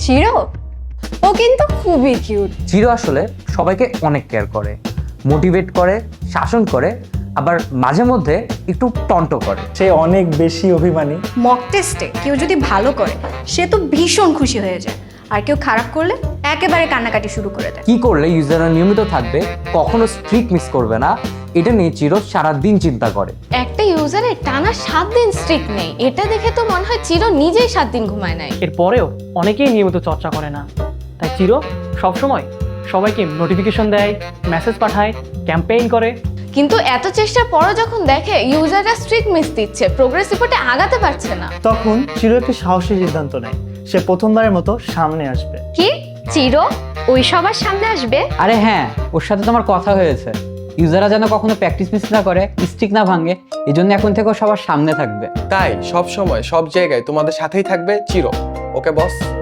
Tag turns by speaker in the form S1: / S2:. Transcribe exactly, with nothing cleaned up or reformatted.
S1: চিরো, ও কিন্তু খুবই কিউট।
S2: চিরো আসলে সবাইকে অনেক কেয়ার করে, মোটিভেট করে, শাসন করে, আবার মাঝে মধ্যে একটু টন্ট করে।
S3: সে অনেক বেশি অভিমানী।
S1: মক টেস্টে কেউ যদি ভালো করে সে তো ভীষণ খুশি হয়ে যায়, আর কেউ খারাপ করলে একেবারে কান্নাকাটি শুরু করে দেয়।
S2: কি করলে ইউজাররা নিয়মিত থাকবে, কখনো স্ট্রিক মিস করবে না, এটা নিয়ে চিরো সারাদিন চিন্তা করে।
S4: একটা ইউজারের টানা সাত দিন স্ট্রিক নেই, এটা দেখে তো মনে হয় চিরো নিজেই সাত দিন ঘুমায় নাই।
S5: এরপরেও অনেকেই নিয়মিত চর্চা করে না, তাই চিরো সবসময় সবাইকে নোটিফিকেশন দেয়, মেসেজ পাঠায়, ক্যাম্পেইন করে।
S4: কিন্তু এত চেষ্টার পরও যখন দেখে ইউজাররা স্ট্রিক মিস দিচ্ছে, প্রোগ্রেস রিপোর্টে আগাতে পারছে না,
S3: তখন চিরো একটি সাহসী সিদ্ধান্ত নেয়, সে প্রথমবারের মতো সামনে আসবে।
S6: কি চিরো ওই সবার সামনে আসবে?
S2: আরে হ্যাঁ, ওর সাথে তো আমার কথা হয়েছে। ইউজাররা যেন কখনো প্র্যাকটিস মিস না করে, স্ট্রিক না ভাঙে, এই জন্য এখন থেকে ও সবার সামনে থাকবে।
S7: তাই সব সময় সব জায়গায় তোমাদের সাথেই থাকবে চিরো। ওকে বস।